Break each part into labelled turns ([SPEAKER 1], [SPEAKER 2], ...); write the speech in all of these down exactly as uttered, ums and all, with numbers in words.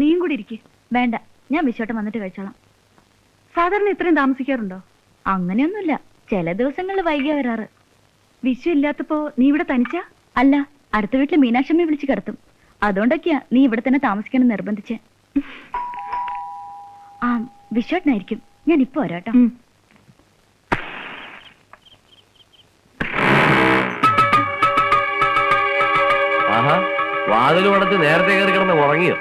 [SPEAKER 1] നീയും കൂടി ഇരിക്കേ. വേണ്ട, ഞാൻ വിശ്വട്ടം വന്നിട്ട് കഴിച്ചോളാം. സാധാരണ ഇത്രയും താമസിക്കാറുണ്ടോ? അങ്ങനെയൊന്നുമില്ല, ചില ദിവസങ്ങളിൽ വൈകിയ വരാറ്. വിശ്വ ഇല്ലാത്തപ്പോ നീ ഇവിടെ തനിച്ചാ? അല്ല, അടുത്ത വീട്ടിൽ മീനാക്ഷമ്മയെ വിളിച്ച് കിടത്തും. അതുകൊണ്ടൊക്കെയാ നീ ഇവിടെ തന്നെ താമസിക്കണം നിർബന്ധിച്ച്. ആ വിശ്വട്ടനായിരിക്കും. ഞാൻ ഇപ്പൊ വരാട്ടോ.
[SPEAKER 2] വാതിൽ അടച്ച് നേരത്തെ കയറി കിടന്ന് ഉറങ്ങിയോ?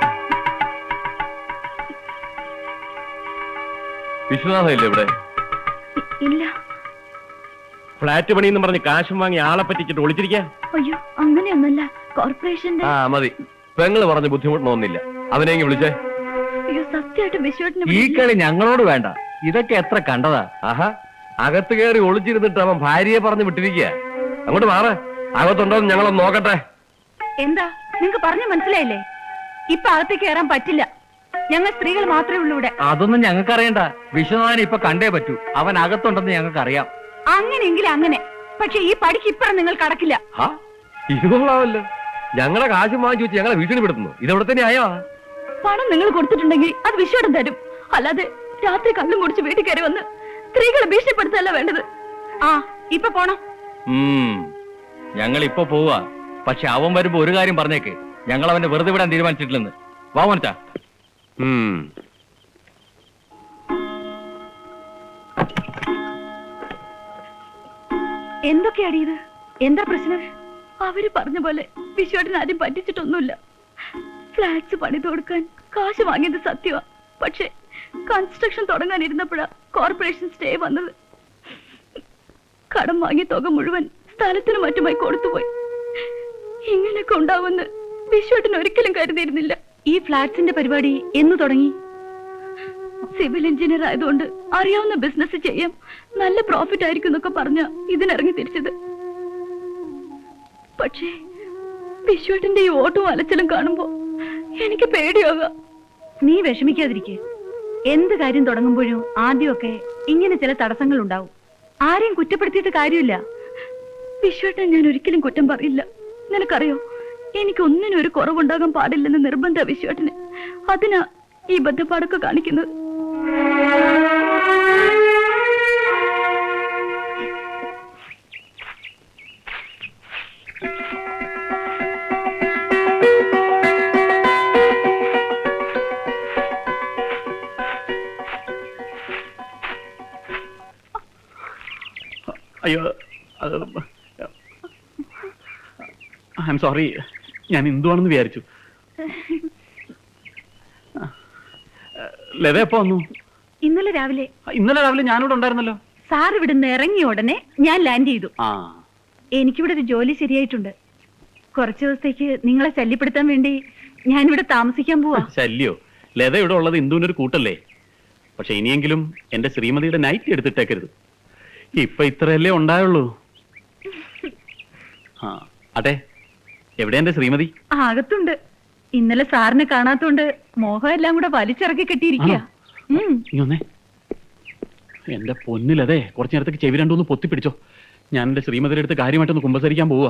[SPEAKER 2] വിശ്വനാഥ ഇല്ല ഇവിടെ?
[SPEAKER 1] ഇല്ല.
[SPEAKER 2] ഫ്ലാറ്റ് പണിയെന്ന് പറഞ്ഞ് കാശും വാങ്ങി ആളെ പറ്റിച്ചിട്ട് ഒളിച്ചിരിക്കാം.
[SPEAKER 1] അയ്യോ, അങ്ങനെയൊന്നല്ല. കോർപ്പറേഷന്റെ. ആ
[SPEAKER 2] മതി, പെങ്ങള് പറഞ്ഞ് ബുദ്ധിമുട്ടൊന്നുമില്ല. അവനെങ്കിൽ വിളിച്ചേ.
[SPEAKER 1] അയ്യോ, സത്യമായിട്ട് വിശ്വട്ടിന്
[SPEAKER 2] ഈ കളി ഞങ്ങളോട് വേണ്ട. ഇതൊക്കെ എത്ര കണ്ടതാ. ആഹാ, അകത്ത് കയറി ഒളിച്ചിരുന്നിട്ട് അവൻ ഭാര്യയെ പറഞ്ഞ് വിട്ടിരിക്കുക. അങ്ങോട്ട് മാറ, അകത്തുണ്ടോന്ന് ഞങ്ങളൊന്ന് നോക്കട്ടെ.
[SPEAKER 1] എന്താ നിങ്ങക്ക് പറഞ്ഞു മനസ്സിലായില്ലേ? ഇപ്പൊ അകത്തേക്ക് കയറാൻ പറ്റില്ല. ഞങ്ങൾ സ്ത്രീകൾ മാത്രമേ ഉള്ളൂ ഇവിടെ.
[SPEAKER 3] അതൊന്നും ഞങ്ങൾക്ക് അറിയണ്ട. വിശ്വനാഥനെ ഇപ്പൊ കണ്ടേ പറ്റൂ. അവൻ അകത്തുണ്ടെന്ന് ഞങ്ങൾക്ക് അറിയാം.
[SPEAKER 1] അങ്ങനെയെങ്കിൽ അങ്ങനെ. പക്ഷെ ഈ പടിക്ക് ഇപ്പഴും നിങ്ങൾ കടക്കില്ല.
[SPEAKER 2] ഇതുകൊള്ളാവല്ലോ. ഞങ്ങളെ കാശും വാങ്ങിച്ചു വെച്ച് ഞങ്ങളെ വീട്ടിൽ വിടുന്നു. ഇതെവിടെ തന്നെ ആയോ?
[SPEAKER 1] പണം നിങ്ങൾ കൊടുത്തിട്ടുണ്ടെങ്കിൽ അത് വിശ്വടം തരും. അല്ലാതെ രാത്രി കള്ളും കുടിച്ച് വീട്ടിൽ കയറി വന്ന് സ്ത്രീകളെ ഭീഷണിപ്പെടുത്തല്ല വേണ്ടത്. ആ ഇപ്പൊ പോണം.
[SPEAKER 3] ഞങ്ങൾ ഇപ്പൊ പോവാ. പക്ഷെ അവൻ വരുമ്പോ ഒരു കാര്യം പറഞ്ഞേക്ക്, ഞങ്ങൾ അവനെ വെറുതെ വിടാൻ തീരുമാനിച്ചിട്ടില്ലെന്ന്. വാ മോനിച്ചാ.
[SPEAKER 1] എന്തൊക്കെയാടി ഇത്? എന്താ പ്രശ്നം? അവര് പറഞ്ഞ പോലെ വിശ്വട്ടിന് ആരും പറ്റിച്ചിട്ടൊന്നുമില്ല. ഫ്ലാറ്റ്സ് പണിത് കൊടുക്കാൻ കാശ് വാങ്ങിയത് സത്യമാ. പക്ഷെ കൺസ്ട്രക്ഷൻ തുടങ്ങാനിരുന്നപ്പോഴാ കോർപ്പറേഷൻ സ്റ്റേ വന്നത്. കടം വാങ്ങിയ തുക മുഴുവൻ സ്ഥലത്തിനും മറ്റുമായി കൊടുത്തുപോയി. ഇങ്ങനെയൊക്കെ ഉണ്ടാവുമെന്ന് വിശ്വട്ടിന് ഒരിക്കലും കരുതിയിരുന്നില്ല. ഈ ഫ്ലാറ്റ്സിന്റെ പരിപാടി എന്ന് തുടങ്ങി? സിവിൽ എഞ്ചിനീയർ ആയതുകൊണ്ട് അറിയാവുന്ന ബിസിനസ് ചെയ്യാം, നല്ല പ്രോഫിറ്റ് ആയിരിക്കും എന്നൊക്കെ പറഞ്ഞ ഇതിനിറങ്ങി തിരിച്ചത്. പക്ഷേ വിശ്വട്ടിന്റെ ഈ ഓട്ടവും അലച്ചിലും കാണുമ്പോ എനിക്ക് പേടിയാകാം. നീ വിഷമിക്കാതിരിക്കെ. എന്ത് കാര്യം തുടങ്ങുമ്പോഴും ആദ്യമൊക്കെ ഇങ്ങനെ ചില തടസ്സങ്ങൾ ഉണ്ടാവും. ആരെയും കുറ്റപ്പെടുത്തിയിട്ട് കാര്യമില്ല. വിശ്വട്ടൻ ഞാൻ ഒരിക്കലും കുറ്റം പറയില്ല. നിനക്കറിയോ, എനിക്കൊന്നിനും ഒരു കുറവുണ്ടാകാൻ പാടില്ലെന്ന് നിർബന്ധ വിശ്വട്ടന്. അതിനാ ഈ ബദ്ധപ്പാടൊക്കെ കാണിക്കുന്നത്.
[SPEAKER 4] അയ്യോ, ഐ എം സോറി. ഞാൻ എന്തുവാണെന്ന് വിചാരിച്ചു. ലത എപ്പോ വന്നു?
[SPEAKER 1] ഇന്നലെ രാവിലെ.
[SPEAKER 4] ഇന്നലെ രാവിലെ ഞാനിവിടെ ഉണ്ടായിരുന്നല്ലോ.
[SPEAKER 1] സാർ ഇവിടുന്ന് ഇറങ്ങിയ ഉടനെ ഞാൻ ലാൻഡ് ചെയ്തു.
[SPEAKER 4] ആ,
[SPEAKER 1] എനിക്കിവിടെ ഒരു ജോലി ശരിയായിട്ടുണ്ട്. കുറച്ചു ദിവസത്തേക്ക് നിങ്ങളെ ശല്യപ്പെടുത്താൻ വേണ്ടി ഞാനിവിടെ താമസിക്കാൻ പോവാ.
[SPEAKER 4] ശല്യോ? ലത ഇവിടെ ഉള്ളത് ഇന്ദുവിനൊരു കൂട്ടല്ലേ. പക്ഷെ ഇനിയെങ്കിലും എന്റെ ശ്രീമതിയുടെ നൈറ്റ് എടുത്തിട്ടേക്കരുത്. ഇപ്പൊ ഇത്രയല്ലേ ഉണ്ടായുള്ളൂ. ആ അതെ, എവിടെ എന്റെ ശ്രീമതി?
[SPEAKER 1] അകത്തുണ്ട്. ഇന്നലെ സാറിനെ കാണാത്തോണ്ട് മോഹം എല്ലാം കൂടെ വലിച്ചിറക്കി കെട്ടിയിരിക്കുക.
[SPEAKER 4] എന്റെ പൊന്നിലതെ, കുറച്ചു നേരത്തേക്ക് ചെവി രണ്ടൊന്ന് പൊത്തിപ്പിടിച്ചോ. ഞാൻ എന്റെ ശ്രീമതിയുടെ അടുത്ത് കാര്യമായിട്ടൊന്ന് കുമ്പസരിക്കാൻ പോവാ.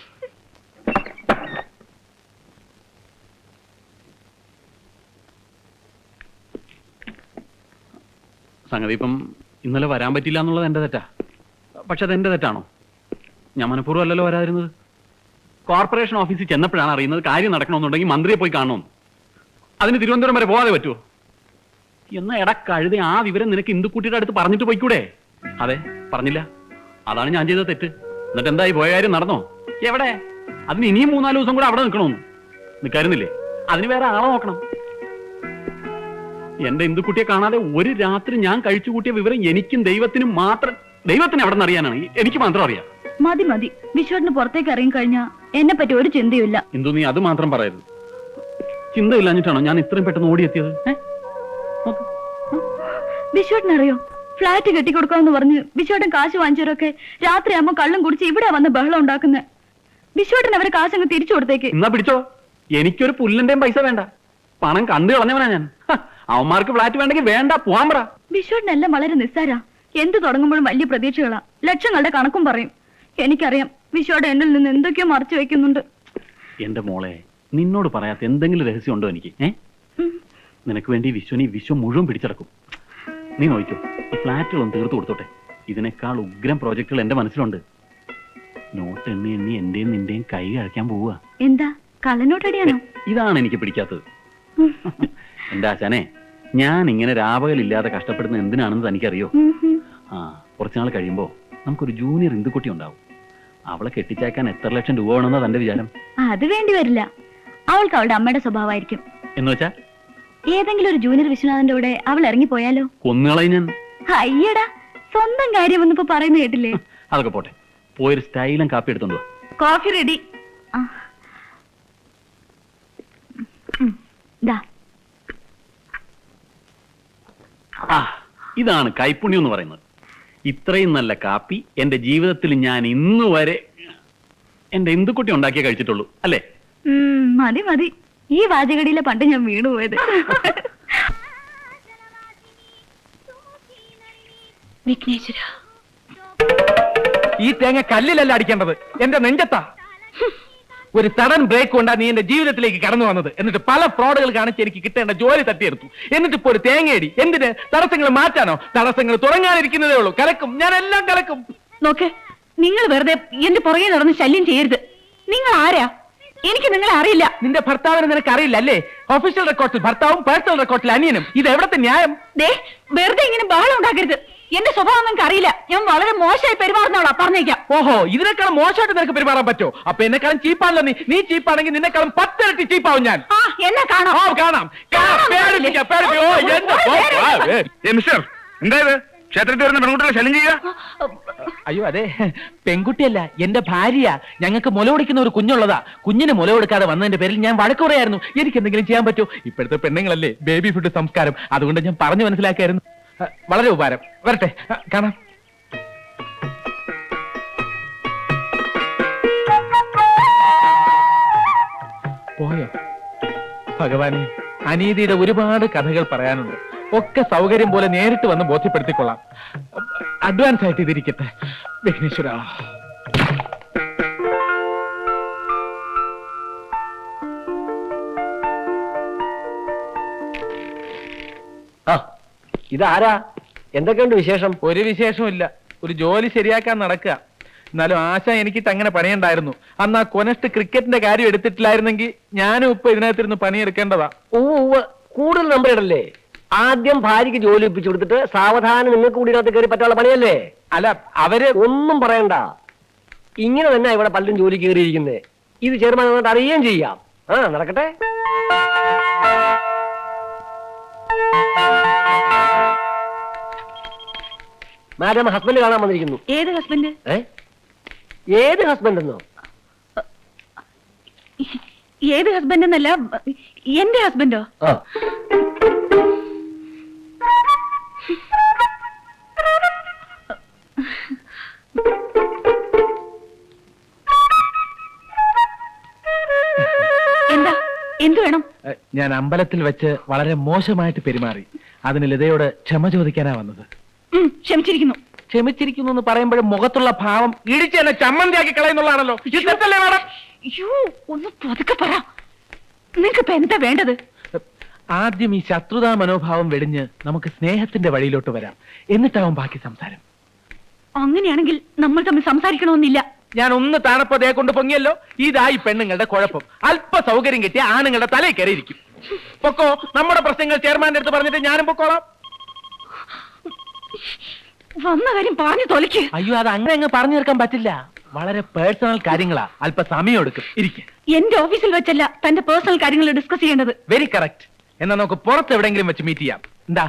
[SPEAKER 4] സംഗതി ഇപ്പം ഇന്നലെ വരാൻ പറ്റില്ല എന്നുള്ളത് എന്റെ തെറ്റാ. പക്ഷെ അതെന്റെ തെറ്റാണോ? ഞാൻ മനഃപൂർവ്വം അല്ലല്ലോ വരാതിരുന്നത്. കോർപ്പറേഷൻ ഓഫീസിൽ ചെന്നപ്പോഴാണ് അറിയുന്നത് കാര്യം നടക്കണമെന്നുണ്ടെങ്കിൽ മന്ത്രിയെ പോയി കാണണമെന്ന്. അതിന് തിരുവനന്തപുരം വരെ പോകാതെ പറ്റുമോ? എന്നാ എടാ കഴുതി, ആ വിവരം നിനക്ക് ഇന്ദുക്കുട്ടിയുടെ അടുത്ത് പറഞ്ഞിട്ട് പോയിക്കൂടെ? അതെ, പറഞ്ഞില്ല. അതാണ് ഞാൻ ചെയ്ത തെറ്റ്. എന്നിട്ട് എന്തായി, പോയ കാര്യം നടന്നോ? എവിടെ? അതിന് ഇനിയും മൂന്നാല് ദിവസം കൂടെ അവിടെ നിൽക്കണമെന്ന് നിൽക്കാരുന്നില്ലേ? അതിന് വേറെ ആളെ നോക്കണം. എന്റെ ഇന്ദുക്കുട്ടിയെ കാണാതെ ഒരു രാത്രി ഞാൻ കഴിച്ചു കൂട്ടിയ വിവരം എനിക്കും ദൈവത്തിനും മാത്രം. ദൈവത്തിന് എവിടെ നിന്ന് അറിയാനാണ്? എനിക്ക് മാത്രം അറിയാം.
[SPEAKER 1] മതി മതി, വിശ്വട്ടിന് പുറത്തേക്ക് ഇറങ്ങി കഴിഞ്ഞാ എന്നെ പറ്റി ഒരു ചിന്തയില്ല.
[SPEAKER 4] ഇന്ദു, നീ അത് മാത്രം പറയരുത്. ചിന്തയില്ലാഞ്ഞിട്ടാണോ ഞാൻ ഇത്രയും പെട്ടെന്ന് ഓടിയെത്തിയത്?
[SPEAKER 1] വിശ്വട്ടിനറിയോ, ഫ്ലാറ്റ് കെട്ടിക്കൊടുക്കാമെന്ന് പറഞ്ഞ് വിശ്വട്ടൻ കാശ് വാങ്ങിച്ചവരൊക്കെ രാത്രിയാകുമ്പോ കള്ളും കുടിച്ച് ഇവിടെ വന്ന് ബഹളം ഉണ്ടാക്കുന്നത്. വിശ്വട്ടൻ അവരെ കാശങ്ങ് തിരിച്ചു കൊടുത്തേക്ക്.
[SPEAKER 4] എന്നാ പിടിച്ചോ. എനിക്കൊരു പുല്ലിന്റെയും പൈസ വേണ്ട. പണം കണ്ടു കളഞ്ഞവനാ ഞാൻ. അവന്മാർക്ക് ഫ്ലാറ്റ് വേണ്ടെങ്കിൽ വേണ്ട, പോവാൻ പറ.
[SPEAKER 1] വിശ്വട്ടിനെല്ലാം വളരെ നിസ്സാരാ. എന്ത് തുടങ്ങുമ്പോഴും വലിയ പ്രതീക്ഷകളാ. ലക്ഷങ്ങളുടെ കണക്കും പറയും. എനിക്കറിയാം വിശ്വയുടെ എന്നിൽ നിന്ന് എന്തൊക്കെയോ മറച്ചു വെക്കുന്നുണ്ട്.
[SPEAKER 4] എന്റെ മോളെ, നിന്നോട് പറയാത്ത എന്തെങ്കിലും രഹസ്യം ഉണ്ടോ എനിക്ക്? ഏ നിനക്ക് വേണ്ടി വിശ്വനി വിശ്വം മുഴുവൻ പിടിച്ചടക്കും. നീ നോക്കിക്കോ, ഈ ഫ്ലാറ്റുകളൊന്നും തീർത്തു കൊടുത്തോട്ടെ. ഇതിനേക്കാൾ ഉഗ്രം പ്രോജക്റ്റുകൾ എന്റെ മനസ്സിലുണ്ട്. നോട്ട് എണ്ണി എണ്ണി എന്റെയും നിന്റെയും കൈ കഴിക്കാൻ പോവുക.
[SPEAKER 1] എന്താ കള്ളനോട്ടടിയാണോ?
[SPEAKER 4] ഇതാണ് എനിക്ക് പിടിക്കാത്തത്. എന്റെ ആശാനെ, ഞാൻ ഇങ്ങനെ രാപകലില്ലാതെ കഷ്ടപ്പെടുന്ന എന്തിനാണെന്ന് തനിക്കറിയോ? ആ, കുറച്ചുനാൾ കഴിയുമ്പോ നമുക്കൊരു ജൂനിയർ ഇന്ദുക്കുട്ടി ഉണ്ടാവും. അവളെ കെട്ടിച്ചേക്കാൻ എത്ര ലക്ഷം രൂപ വേണമെന്നാ തന്റെ വിചാരം?
[SPEAKER 1] അത് വേണ്ടി വരില്ല. അവൾക്ക് അവളുടെ അമ്മയുടെ സ്വഭാവമായിരിക്കും.
[SPEAKER 4] എന്ന് വെച്ചാ
[SPEAKER 1] ഏതെങ്കിലും ഒരു ജൂനിയർ വിശ്വനാഥന്റെ കൂടെ അവൾ ഇറങ്ങിപ്പോയാലോ?
[SPEAKER 4] കൊന്നുകളയും ഞാൻ.
[SPEAKER 1] അയ്യടാ, സ്വന്തം കാര്യം ഒന്നിപ്പോ പറയുന്ന കേട്ടില്ലേ?
[SPEAKER 4] അതൊക്കെ പോട്ടെ, പോയൊരു സ്റ്റൈലും കാപ്പി എടുത്തോണ്ട് വാ.
[SPEAKER 1] Coffee ready.
[SPEAKER 4] ആ, ഇതാണ് കൈപ്പുണ്യം എന്ന് പറയുന്നത്. ഇത്രയും നല്ല കാപ്പി എന്റെ ജീവിതത്തിൽ ഞാൻ ഇന്ന് വരെ എന്റെ ഇന്ദുക്കുട്ടി ഉണ്ടാക്കിയേ കഴിച്ചിട്ടുള്ളൂ, അല്ലേ?
[SPEAKER 1] മതി മതി, ഈ വാചകടിയിലെ പണ്ട് ഞാൻ വീണുപോയത്. വിഘ്നേശ്വര,
[SPEAKER 2] ഈ തേങ്ങ കല്ലിലല്ല അടിക്കേണ്ടത്, എന്റെ നെഞ്ചത്താ. ഒരു സഡൻ ബ്രേക്ക് കൊണ്ടാ നീ എന്റെ ജീവിതത്തിലേക്ക് കടന്നു വന്നത്. എന്നിട്ട് പല ഫ്രോഡുകൾ കാണിച്ച് എനിക്ക് കിട്ടേണ്ട ജോലി തട്ടിയെടുത്തു. എന്നിട്ട് ഇപ്പോ ഒരു തേങ്ങയടി. എന്തിന്? തടസ്സങ്ങൾ മാറ്റാനോ? തടസ്സങ്ങൾ തുടങ്ങാനിരിക്കുന്നതേ ഉള്ളൂ. കലക്കും, ഞാൻ എല്ലാം കലക്കും.
[SPEAKER 1] നോക്ക്, നിങ്ങൾ വെറുതെ എന്റെ പുറകെ നടന്ന് ശല്യം ചെയ്യരുത്. നിങ്ങൾ ആരാ? എനിക്ക് നിങ്ങളെ അറിയില്ല.
[SPEAKER 2] നിന്റെ ഭർത്താവിനെ നിനക്ക് അറിയില്ല അല്ലേ? ഒഫീഷ്യൽ റെക്കോർഡിൽ ഭർത്താവും പേഴ്സണൽ റെക്കോർഡിൽ അനിയനും. ഇത് എവിടത്തെ ന്യായം?
[SPEAKER 1] ദേ, വെറുതെ ഇങ്ങനെ ബഹളം ഉണ്ടാക്കരുത്. എന്റെ സ്വഭാവം നിങ്ങൾക്ക് അറിയില്ല. ഞാൻ വളരെ മോശമായി പെരുമാറുന്നോളാ, പറഞ്ഞേക്കാം.
[SPEAKER 2] ഓഹോ, ഇതിനേക്കാളും മോശമായിട്ട് നിനക്ക് പെരുമാറാൻ പറ്റോ? അപ്പൊ എന്നെക്കാളും ചീപ്പാണല്ലോ നീ. നീ ചീപ്പാണെങ്കിൽ നിന്നെക്കാളും പത്തിരട്ടി ചീപ്പാവും ഞാൻ.
[SPEAKER 1] ആ, എന്നെ കാണാം.
[SPEAKER 2] ഓ, കാണാം. പേടിപ്പിക്കാം, പേടിപ്പിക്കാം. ഓ, എന്റെ
[SPEAKER 5] മിസ്റ്റർ, എന്തായത് ക്ഷേത്രത്തിൽ വരുന്ന പെൺകുട്ടികളെ ശല്യം ചെയ്യുക?
[SPEAKER 2] അയ്യോ, അതെ, പെൺകുട്ടിയല്ല, എന്റെ ഭാര്യ. ഞങ്ങൾക്ക് മുല കൊടുക്കുന്ന ഒരു കുഞ്ഞുള്ളതാ. കുഞ്ഞിന് മുല കൊടുക്കാതെ വന്നതിന്റെ പേരിൽ ഞാൻ വഴക്ക് പറയായിരുന്നു. എനിക്ക് എന്തെങ്കിലും ചെയ്യാൻ പറ്റുമോ? ഇപ്പോഴത്തെ പെണ്ണുങ്ങളല്ലേ ബേബി ഫുഡ് സംസ്കാരം. അതുകൊണ്ട് ഞാൻ പറഞ്ഞു മനസ്സിലാക്കായിരുന്നു. വളരെ ഉപകാരം. വരട്ടെ, കാണാം. പോയോ? ഭഗവാനെ, അനീതിയുടെ ഒരുപാട് കഥകൾ പറയാനുണ്ട്. ഒക്കെ സൗകര്യം പോലെ നേരിട്ട് വന്ന് ബോധ്യപ്പെടുത്തിക്കൊള്ളാം. അഡ്വാൻസ് ആയിട്ട് ഇതിരിക്കട്ടെ. വിഘ്നേശ്വര,
[SPEAKER 6] ആ, ഇതാരാ? എന്തൊക്കെയുണ്ട് വിശേഷം?
[SPEAKER 2] ഒരു വിശേഷവും ഇല്ല. ഒരു ജോലി ശരിയാക്കാൻ നടക്കുക. എന്നാലും ആശ എനിക്കിട്ട് അങ്ങനെ പണിയുണ്ടായിരുന്നു. അന്ന് ആ കൊനസ്റ്റ് ക്രിക്കറ്റിന്റെ കാര്യം എടുത്തിട്ടില്ലായിരുന്നെങ്കിൽ ഞാനും ഇപ്പൊ ഇതിനകത്തിരുന്ന് പണിയെടുക്കേണ്ടതാ.
[SPEAKER 6] ഓ, കൂടുതൽ നമ്പർ ഇടല്ലേ. ആദ്യം ഭാര്യയ്ക്ക് ജോലി ഒപ്പിച്ചു കൊടുത്തിട്ട് സാവധാനം നിങ്ങൾക്ക് കൂടി ഇതിനകത്ത് കയറി പറ്റാനുള്ള പണിയല്ലേ?
[SPEAKER 2] അല്ല, അവര്
[SPEAKER 6] ഒന്നും പറയണ്ട. ഇങ്ങനെ തന്നെ ഇവിടെ പലരും ജോലി കയറിയിരിക്കുന്നത്. ഇത് ചെയർമാൻ വന്നിട്ട് അറിയുകയും ചെയ്യാം. ആ, നടക്കട്ടെ. മാഡം, ഹസ്ബൻഡ് കാണാൻ വന്നിരിക്കുന്നു.
[SPEAKER 1] ഏത് ഹസ്ബൻഡ്?
[SPEAKER 6] ഏ, ഏത് ഹസ്ബൻഡ് എന്നോ?
[SPEAKER 1] ഏത് ഹസ്ബൻഡ് എന്നല്ല, എന്റെ ഹസ്ബൻഡോ?
[SPEAKER 6] ആ,
[SPEAKER 1] എന്താ? എന്തു വേണം?
[SPEAKER 2] ഞാൻ അമ്പലത്തിൽ വെച്ച് വളരെ മോശമായിട്ട് പെരുമാറി. അതിന് ലതയോട് ക്ഷമ ചോദിക്കാനാ വന്നത്.
[SPEAKER 1] ഉം, ക്ഷമിച്ചിരിക്കുന്നു.
[SPEAKER 2] ക്ഷമിച്ചിരിക്കുന്നു എന്ന് പറയുമ്പോഴും മുഖത്തുള്ള ഭാവം ഇടിച്ച് എന്നെ ചമ്മന്തിയാക്കി കളയുന്നുള്ളതാണല്ലോ. ഇതല്ലേ മാഡം?
[SPEAKER 1] അയ്യോ, ഒന്ന് പതുക്കെ പറ. നിനക്കിപ്പോ എന്താ വേണ്ടത്?
[SPEAKER 2] ആദ്യം ഈ ശത്രുതാ മനോഭാവം വെടിഞ്ഞ് നമുക്ക് സ്നേഹത്തിന്റെ വഴിയിലോട്ട് വരാം. എന്നിട്ടാവും ബാക്കി സംസാരം.
[SPEAKER 1] അങ്ങനെയാണെങ്കിൽ നമ്മൾ തമ്മിൽ സംസാരിക്കണമെന്നില്ല.
[SPEAKER 2] ഞാൻ ഒന്ന് താണപ്പതേ കൊണ്ട് പൊങ്ങിയല്ലോ. ഇതായി പെണ്ണുങ്ങളുടെ കുഴപ്പം. അല്പ സൗകര്യം കിട്ടിയ ആണുങ്ങളുടെ തലയിൽ കയറിയിരിക്കും. പൊക്കോ, നമ്മുടെ പ്രശ്നങ്ങൾ ചെയർമാന്റെ അടുത്ത് പറഞ്ഞിട്ട് ഞാനും പൊക്കോളാം.
[SPEAKER 1] വന്ന കാര്യം പറഞ്ഞു തൊലയ്ക്ക്.
[SPEAKER 2] അയ്യോ, അത് അങ്ങനെ അങ്ങ് പറഞ്ഞു തീർക്കാൻ പറ്റില്ല. വളരെ പേഴ്സണൽ കാര്യങ്ങളാ. അല്പ സമയം എടുക്കും. ഇരിക്കും.
[SPEAKER 1] എന്റെ ഓഫീസിൽ വെച്ചല്ല തന്റെ പേഴ്സണൽ കാര്യങ്ങൾ ഡിസ്കസ് ചെയ്യേണ്ടത്.
[SPEAKER 2] Very correct. എന്നാ നമുക്ക് പുറത്ത് എവിടെങ്കിലും വെച്ച് മീറ്റ് ചെയ്യാം. എന്താ?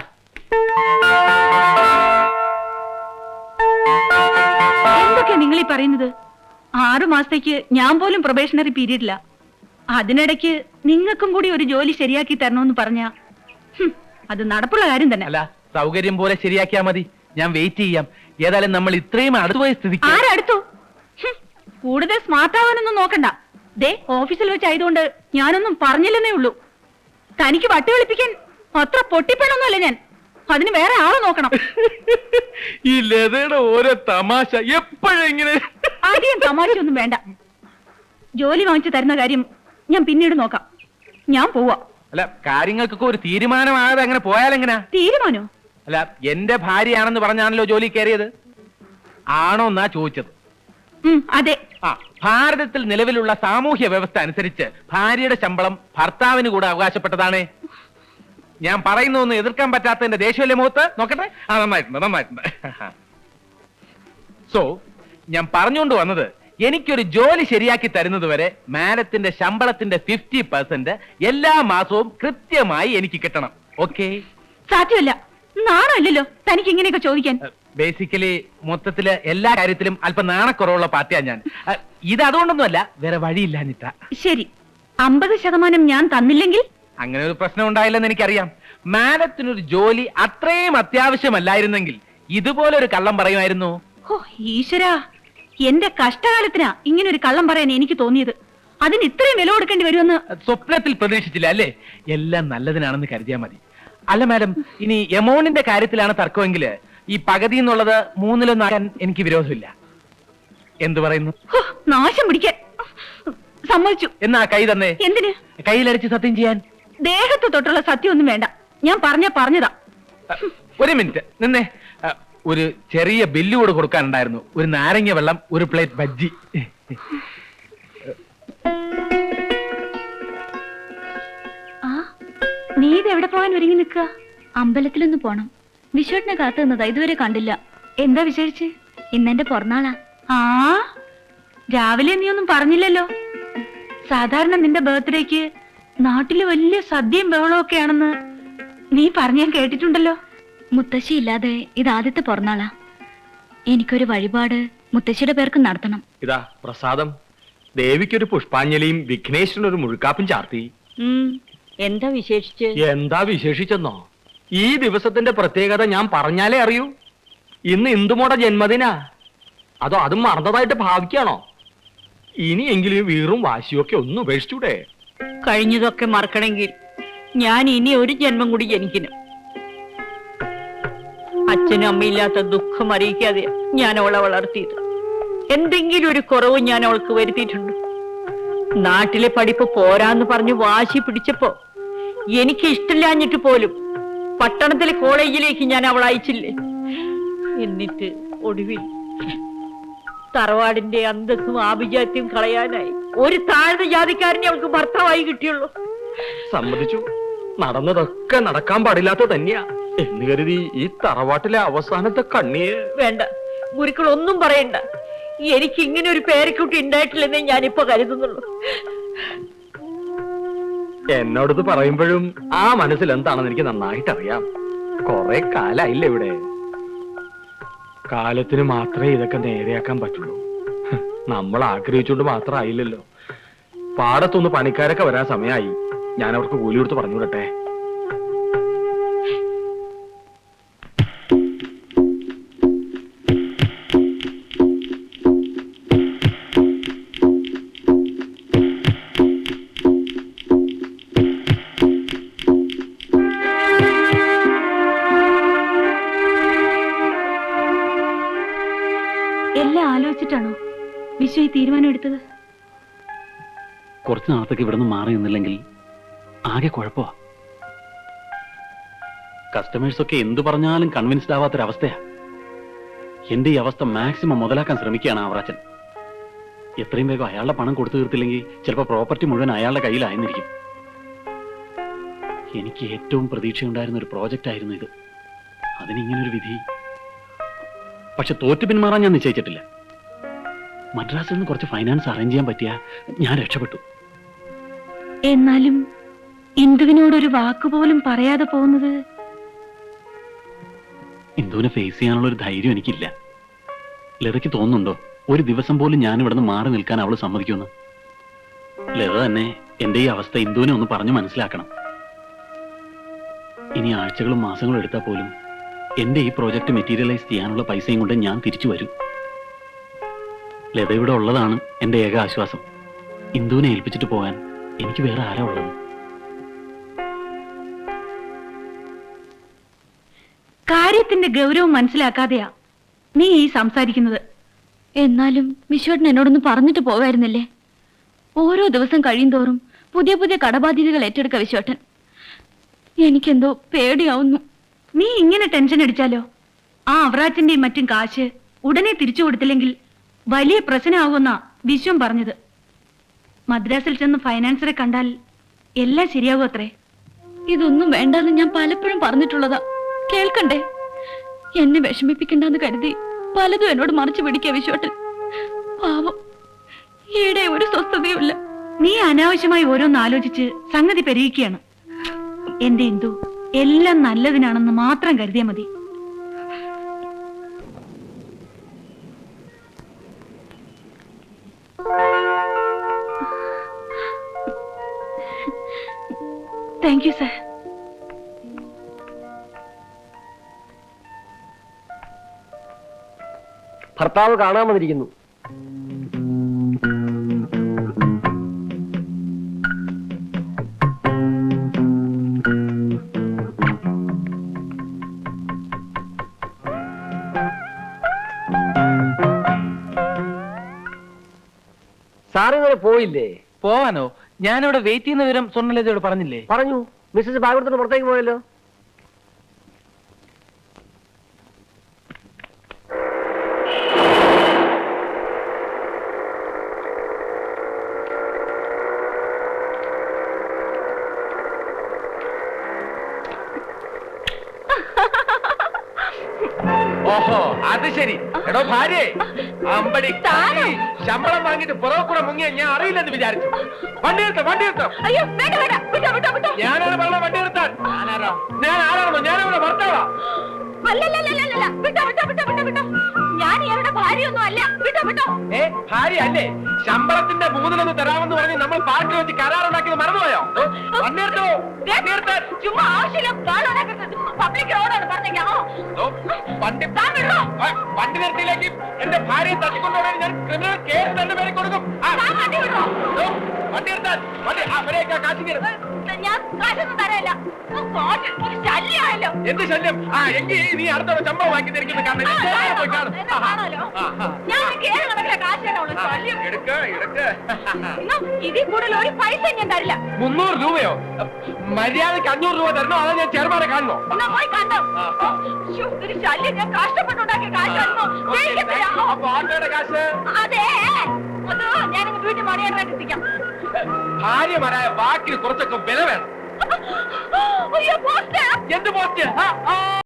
[SPEAKER 1] എന്തൊക്കെയാ നിങ്ങൾ ഈ പറയുന്നത്? ആറു മാസത്തേക്ക് ഞാൻ പോലും പ്രൊബേഷണറി പീരീഡില്ല. അതിനിടയ്ക്ക് നിങ്ങൾക്കും കൂടി ഒരു ജോലി ശരിയാക്കി തരണമെന്ന് പറഞ്ഞ അത് നടപ്പുള്ള കാര്യം തന്നെ.
[SPEAKER 2] അല്ല, സൗകര്യം പോലെ ശരിയാക്കിയാ മതി. ഞാൻ വെയിറ്റ് ചെയ്യാം. ഏതായാലും നമ്മൾ ഇത്രയും അടുത്തുപോയ സ്ഥിതിക്ക്.
[SPEAKER 1] ആരടുത്തു? കൂടുതൽ സ്മാർട്ട് ആവാനൊന്നും നോക്കണ്ട. ദേ, ഓഫീസിൽ വെച്ചായതുകൊണ്ട് ഞാനൊന്നും പറഞ്ഞില്ലെന്നേ ഉള്ളൂ. തനിക്ക് വട്ടി വിളിപ്പിക്കാൻ അത്ര പൊട്ടിപ്പണൊന്നുമല്ല ഞാൻ. അതിന് വേറെ ആളെ നോക്കണം.
[SPEAKER 2] ഈ ലതയുടെ ഓരോ തമാശ എപ്പോഴെങ്ങനെ.
[SPEAKER 1] ആദ്യം തമാശയൊന്നും വേണ്ട. ജോലി വാങ്ങിച്ചു തരുന്ന കാര്യം ഞാൻ പിന്നീട് നോക്കാം. ഞാൻ പോവാ.
[SPEAKER 2] അല്ല കാര്യങ്ങൾക്കൊക്കെ ഒരു തീരുമാനമാകാതെ അങ്ങനെ പോയാലെങ്ങനാ?
[SPEAKER 1] തീരുമാനോ?
[SPEAKER 2] അല്ല എന്റെ ഭാര്യയാണെന്ന് പറഞ്ഞാണല്ലോ ജോലി കയറിയത്. ആണോ എന്നാ ചോദിച്ചത്.
[SPEAKER 1] ഉം, അതെ.
[SPEAKER 2] ആ ഭാരതത്തിൽ നിലവിലുള്ള സാമൂഹ്യ വ്യവസ്ഥ അനുസരിച്ച് ഭാര്യയുടെ ശമ്പളം ഭർത്താവിന് കൂടെ അവകാശപ്പെട്ടതാണ്. ഞാൻ പറയുന്നൊന്നും എതിർക്കാൻ പറ്റാത്തതിന്റെ ദേഷ്യമല്ലേ മുഖത്ത്? നോക്കട്ടെ. ആ നന്നായിട്ടുണ്ട് നന്നായിട്ടുണ്ട്. സോ ഞാൻ പറഞ്ഞുകൊണ്ട് വന്നത്, എനിക്കൊരു ജോലി ശരിയാക്കി തരുന്നത് വരെ മാഡത്തിന്റെ ശമ്പളത്തിന്റെ ഫിഫ്റ്റി പെർസെന്റ് എല്ലാ മാസവും കൃത്യമായി എനിക്ക് കിട്ടണം. ഓക്കെ?
[SPEAKER 1] സാധ്യമല്ല. നാണല്ലോ തനിക്ക് ഇങ്ങനെയൊക്കെ ചോദിക്കാൻ.
[SPEAKER 2] ബേസിക്കലി മൊത്തത്തില് എല്ലാ കാര്യത്തിലും അല്പം നാണക്കുറവുള്ള പാർട്ടിയാ ഞാൻ. അഹ്, ഇത് അതുകൊണ്ടൊന്നുമല്ല, വേറെ വഴിയില്ലാഞ്ഞിട്ടാ.
[SPEAKER 1] ശരി, അമ്പത് ശതമാനം ഞാൻ തന്നില്ലെങ്കിൽ?
[SPEAKER 2] അങ്ങനെ ഒരു പ്രശ്നം ഉണ്ടായില്ലെന്ന് എനിക്കറിയാം. മാഡത്തിനൊരു ജോലി അത്രയും അത്യാവശ്യമല്ലായിരുന്നെങ്കിൽ ഇതുപോലെ ഒരു കള്ളം പറയുമായിരുന്നു.
[SPEAKER 1] ഓ ഈശ്വരാ, എന്റെ കഷ്ടകാലത്തിനാ ഇങ്ങനെ ഒരു കള്ളം പറയാൻ എനിക്ക് തോന്നിയത്. അതിന് ഇത്രയും വില കൊടുക്കേണ്ടി വരുമെന്ന്
[SPEAKER 2] സ്വപ്നത്തിൽ പ്രതീക്ഷിച്ചില്ല അല്ലേ? എല്ലാം നല്ലതിനാണെന്ന് കരുതിയാൽ മതി. അല്ല മാഡം, ഇനി എമൗണ്ടിന്റെ കാര്യത്തിലാണ് തർക്കമെങ്കിൽ ഈ പകുതി എന്നുള്ളത് മൂന്നിലൊന്നാക്കാൻ എനിക്ക് വിരോധമില്ല. എന്തു പറയുന്നു?
[SPEAKER 1] ഹോ, നാശം പിടിക്കാൻ. സമ്മതിച്ചു.
[SPEAKER 2] എന്നാ കൈ തന്നെ.
[SPEAKER 1] എന്തിന്?
[SPEAKER 2] കയ്യിലടിച്ച് സത്യം ചെയ്യാൻ.
[SPEAKER 1] ദേഹത്ത് തൊട്ടുള്ള സത്യം ഒന്നും വേണ്ട. ഞാൻ പറഞ്ഞ പറഞ്ഞതാ.
[SPEAKER 2] അഹ്, ഒരു മിനിറ്റ് നിന്നെ. അഹ്, ഒരു ചെറിയ ബില്ല് കൂടെ കൊടുക്കാനുണ്ടായിരുന്നു. ഒരു നാരങ്ങ വെള്ളം, ഒരു പ്ലേറ്റ് ബജ്ജി.
[SPEAKER 1] ആ, നീ ഇത് എവിടെ പോകാൻ ഒരുങ്ങി നിൽക്കുക? അമ്പലത്തിലൊന്ന് പോണം. വിശ്വട്ടിനെ കാത്തു നിന്നതാ, ഇതുവരെ കണ്ടില്ല. എന്താ വിശേഷിച്ച്? ഇന്നെന്റെ പിറന്നാളാ. ആ, രാവിലെ നീ ഒന്നും പറഞ്ഞില്ലല്ലോ. സാധാരണ നിന്റെ ബർത്ത്ഡേക്ക് നാട്ടില് വലിയ സദ്യയും ബഹളവും ഒക്കെയാണെന്ന് നീ പറഞ്ഞ ഞാൻ കേട്ടിട്ടുണ്ടല്ലോ. മുത്തശ്ശി ഇല്ലാതെ ഇത് ആദ്യത്തെ പിറന്നാളാ. എനിക്കൊരു വഴിപാട് മുത്തശ്ശിയുടെ പേർക്ക് നടത്തണം.
[SPEAKER 7] ഇതാ പ്രസാദം. ദേവിക്കൊരു പുഷ്പാഞ്ജലിയും വിഘ്നേശ്വരനൊരു മുഴുക്കാപ്പും ചാർത്തി.
[SPEAKER 1] എന്താ വിശേഷിച്ച്?
[SPEAKER 7] എന്താ വിശേഷിച്ചെന്നോ? ഈ ദിവസത്തിന്റെ പ്രത്യേകത ഞാൻ പറഞ്ഞാലേ അറിയൂ. ഇന്ന് ഇന്ദുമോടെ ജന്മദിനാ. അതോ അതും മറന്നതായിട്ട് ഭാവിക്കാണോ? ഇനിയെങ്കിലും വീറും വാശിയൊക്കെ ഒന്ന് ഉപേക്ഷിച്ചൂടെ?
[SPEAKER 8] കഴിഞ്ഞതൊക്കെ മറക്കണമെങ്കിൽ ഞാൻ ഇനി ഒരു ജന്മം കൂടി ജനിക്കണം. അച്ഛനും അമ്മയില്ലാത്ത ദുഃഖം അറിയിക്കാതെ ഞാൻ അവളെ വളർത്തിയത്. എന്തെങ്കിലും ഒരു കുറവ് ഞാൻ അവൾക്ക് വരുത്തിയിട്ടുണ്ട്. നാട്ടിലെ പഠിപ്പ് പോരാന്ന് പറഞ്ഞ് വാശി പിടിച്ചപ്പോ എനിക്ക് ഇഷ്ടമില്ലാഞ്ഞിട്ട് പോലും പട്ടണത്തിലെ കോളേജിലേക്ക് ഞാൻ അവൾ അയച്ചില്ലേ. എന്നിട്ട് ഒടുവിൽ തറവാടിന്റെ അന്തസ്സും ആഭിജാത്യവും കളയാനായി ഒരു താഴ്ന്ന ജാതിക്കാരനെ അവൾക്ക് ഭർത്താവായി കിട്ടിയുള്ളൂ.
[SPEAKER 7] സമ്മതിച്ചു, നടന്നതൊക്കെ നടക്കാൻ പാടില്ലാത്ത തന്നെയാ എന്ന് കരുതി ഈ തറവാട്ടിലെ അവസാനത്തെ കണ്ണിയെ.
[SPEAKER 8] വേണ്ട, ഗുരുക്കൾ ഒന്നും പറയണ്ട. എനിക്ക് ഇങ്ങനെ ഒരു പേരക്കുട്ടി ഉണ്ടായിട്ടില്ലെന്നേ ഞാനിപ്പോ കരുതുന്നുള്ളൂ.
[SPEAKER 7] എന്നോടത് പറയുമ്പോഴും ആ മനസ്സിൽ എന്താണെന്ന് എനിക്ക് നന്നായിട്ട് അറിയാം. കൊറേ കാലായില്ലേ ഇവിടെ. കാലത്തിന് മാത്രമേ ഇതൊക്കെ നേരെയാക്കാൻ പറ്റുള്ളൂ. നമ്മൾ ആഗ്രഹിച്ചുകൊണ്ട് മാത്രം ആയില്ലല്ലോ. പാടത്തൊന്ന് പണിക്കാരൊക്കെ വരാൻ സമയമായി. ഞാൻ അവർക്ക് കൂലി കൊടുത്ത് പറഞ്ഞു വിടട്ടെ.
[SPEAKER 1] എല്ലാം ആലോചിച്ചിട്ടാണോ വിശ്വ ഈ തീരുമാനം എടുത്തത്?
[SPEAKER 4] കുറച്ച് നാളത്തേക്ക് ഇവിടെ നിന്ന് മാറി നിന്നില്ലെങ്കിൽ ആകെ കുഴപ്പമാ. കസ്റ്റമേഴ്സ് ഒക്കെ എന്തു പറഞ്ഞാലും കൺവിൻസ്ഡ് ആവാത്തൊരവസ്ഥയാ. എന്റെ ഈ അവസ്ഥ മാക്സിമം മുതലാക്കാൻ ശ്രമിക്കുകയാണ് ആവറാച്ചൻ. എത്രയും വേഗം അയാളുടെ പണം കൊടുത്തു തീർത്തില്ലെങ്കിൽ ചിലപ്പോൾ പ്രോപ്പർട്ടി മുഴുവൻ അയാളുടെ കയ്യിലായിരിക്കും. എനിക്ക് ഏറ്റവും പ്രതീക്ഷയുണ്ടായിരുന്ന ഒരു പ്രോജക്റ്റ് ആയിരുന്നു ഇത്. അതിനിങ്ങനൊരു വിധി. പക്ഷെ തോറ്റു പിന്മാറാൻ ഞാൻ നിശ്ചയിച്ചിട്ടില്ല. മദ്രാസിൽ നിന്ന് കുറച്ച് ഫൈനാൻസ് അറേഞ്ച് ചെയ്യാൻ പറ്റിയ ഞാൻ രക്ഷപ്പെട്ടു.
[SPEAKER 1] എന്നാലും ഇന്ദുവിനോടൊരു വാക്കുപോലും പറയാതെ പോകുന്നത്.
[SPEAKER 4] ഇന്ദുവിനെ ഫേസ് ചെയ്യാനുള്ള ഒരു ധൈര്യം എനിക്കില്ല. ലതയ്ക്ക് തോന്നുന്നുണ്ടോ ഒരു ദിവസം പോലും ഞാൻ ഇവിടെ നിന്ന് മാറി നിൽക്കാൻ അവള് സമ്മതിക്കുമെന്ന്? ലത തന്നെ എന്റെ ഈ അവസ്ഥ ഇന്ദുവിനെ ഒന്ന് പറഞ്ഞു മനസ്സിലാക്കണം. ഇനി ആഴ്ചകളും മാസങ്ങളും എടുത്താൽ പോലും എന്റെ ഈ പ്രോജക്റ്റ് മെറ്റീരിയലൈസ് ചെയ്യാനുള്ള പൈസയും കൊണ്ട് ഞാൻ തിരിച്ചു വരും. ലത ഇവിടെ ഉള്ളതാണ് എന്റെ ഏക ആശ്വാസം. ഇന്ദുവിനെ ഏൽപ്പിച്ചിട്ട് പോകാൻ എനിക്ക് വേറെ ആരാ ഉള്ളത്?
[SPEAKER 1] കാര്യത്തിന്റെ ഗൗരവം മനസ്സിലാക്കാതെയാ നീ ഈ സംസാരിക്കുന്നത്. എന്നാലും വിശ്വട്ടൻ എന്നോടൊന്ന് പറഞ്ഞിട്ട് പോകായിരുന്നില്ലേ? ഓരോ ദിവസം കഴിയും തോറും പുതിയ പുതിയ കടബാധ്യതകൾ ഏറ്റെടുക്ക വിശ്വട്ടൻ. എനിക്കെന്തോ പേടിയാവുന്നു. നീ ഇങ്ങനെ ടെൻഷൻ അടിച്ചാലോ? ആ അവറാച്ചന്റെയും മറ്റും കാശ് ഉടനെ തിരിച്ചു കൊടുത്തില്ലെങ്കിൽ വലിയ പ്രശ്നമാകുമെന്നാ വിശ്വം പറഞ്ഞത്. മദ്രാസിൽ ചെന്ന് ഫൈനാൻസറെ കണ്ടാൽ എല്ലാം ശരിയാകും അത്രേ. ഇതൊന്നും വേണ്ടെന്ന് ഞാൻ പലപ്പോഴും പറഞ്ഞിട്ടുള്ളതാ. കേൾക്കണ്ടേ? എന്നെ വിഷമിപ്പിക്കണ്ടെന്ന് കരുതി പലതും എന്നോട് മറിച്ചു പിടിക്കുക വിശ്വട്ടൻ. പാവം, ഈയിടെ ഒരു സ്വസ്ഥതയുമില്ല. നീ അനാവശ്യമായി ഓരോന്ന് ആലോചിച്ച് സംഗതി പെരുകിക്കുകയാണ്. എന്റെ ഇന്ദു, എല്ലാം നല്ലതിനാണെന്ന് മാത്രം കരുതിയാ മതി. Thank you sir.
[SPEAKER 6] ഭർത്താവ് കാണാൻ വന്നിരിക്കുന്നു. സാറിങ്ങനെ പോയില്ലേ?
[SPEAKER 2] പോവാനോ? ഞാനിവിടെ വെയിറ്റ് ചെയ്യുന്ന വിവരം സ്വർണ്ണലതയോട് പറഞ്ഞില്ലേ?
[SPEAKER 6] പറഞ്ഞു. മിസ്സസ് ഭാഗവതത്തിന് പുറത്തേക്ക് പോയല്ലോ.
[SPEAKER 2] ഓഹോ, അത് ശരി. എടോ ഭാര്യ, അമ്പടി ശമ്പളം വാങ്ങിട്ട് പുറകെ കൂടെ മുങ്ങിയ ഞാൻ അറിയില്ലെന്ന് വിചാരിച്ചു. വണ്ടി നിർത്ത, വണ്ടി നിർത്താം.
[SPEAKER 1] അയ്യോ, വേണ്ട വേണ്ട, വിട്ടോ വിട്ടോ വിട്ടോ.
[SPEAKER 2] ഞാനാണ് പറഞ്ഞ വണ്ടി നിർത്താൻ. ഞാൻ ആരാണോ? ഞാനവിടെ ഭർത്താവാ.
[SPEAKER 1] അല്ലല്ലല്ലല്ല, വിട്ടോ വിട്ടോ വിട്ടോ വിട്ടോ വിട്ടോ. ഞാൻ ഇയാളുടെ ഭാര്യയൊന്നും അല്ല. വിട്ടോ വിട്ടോ.
[SPEAKER 2] ഏ, ഭാര്യ അല്ലേ? ശമ്പളത്തിന്റെ മൂന്നിലൊന്ന് തരാമെന്ന് പറഞ്ഞ് നമ്മൾ പാർട്ടി വെച്ച് കരാറുണ്ടാക്കിയത് മറന്നുപോയോ? വണ്ടി നിർത്തോ, വണ്ടി നിർത്താൻ.
[SPEAKER 1] ചുമ്മാ ആവശ്യമില്ല കാണാനാക്കുന്നത്. പബ്ലിക് റോഡാണ് പറഞ്ഞേക്കാമോ?
[SPEAKER 2] വണ്ടി ആ, വണ്ടി നിർത്തിയില്ലെങ്കിൽ എന്റെ ഭാര്യയെ തട്ടിക്കൊണ്ടുപോകാൻ ഞാൻ ക്രിമിനൽ കേസ് എന്റെ പേരിൽ കൊടുക്കും. ആ,
[SPEAKER 1] വണ്ടി വിടോ.
[SPEAKER 2] ഓ, വണ്ടി നിർത്താൻ. വണ്ടി അവരെയൊക്കെ കാശി കയറും.
[SPEAKER 1] ഞാൻ കാശൊന്നും തരല്ല. ശല്യമായല്ലോ.
[SPEAKER 2] എന്ത് ശല്യം? ആ, എങ്കിൽ നീ അടുത്തോടെ ശമ്പളം വാങ്ങി തരിക്കുന്ന കാരണം ഞാൻ നേരെ പോയി കാണും. ആ, ആ, ആ.
[SPEAKER 1] ഞാൻ കേരള കണക്കിലെ കാശ് തരാനുള്ളൂ. ശല്യം.
[SPEAKER 2] എടുക്ക എടുക്ക
[SPEAKER 1] ഇന്നും ഇതിൽ കൂടുതൽ ഒരു പൈസ ഞാൻ തരില്ല.
[SPEAKER 2] മുന്നൂറ് രൂപയോ? മര്യാദക്ക് അഞ്ഞൂറ് രൂപ തരണോ? അതോ ഞാൻ ചെറുപാടെ കാണണോ?
[SPEAKER 1] എന്നാ പോയി കണ്ടോ. ശ്ശോ, ഒരു ശല്യം. ഞാൻ കഷ്ടപ്പെട്ടുണ്ടാക്കിയ കാശായിരുന്നു. ദേഷ്യത്തിലാ.
[SPEAKER 2] അപ്പൊ ആട്ടോയുടെ കാശ്?
[SPEAKER 1] അതെ, അത് ഞാനിങ്ങ് വീട്ടിൽ മണിയായിട്ട് എത്തിക്കാം.
[SPEAKER 2] ഭാര്യമാരായ വാക്കിന് കുറച്ചൊക്കെ വില വേണം.
[SPEAKER 1] അയ്യോ, പോസ്റ്റ്.
[SPEAKER 2] എന്ത് പോസ്റ്റ്?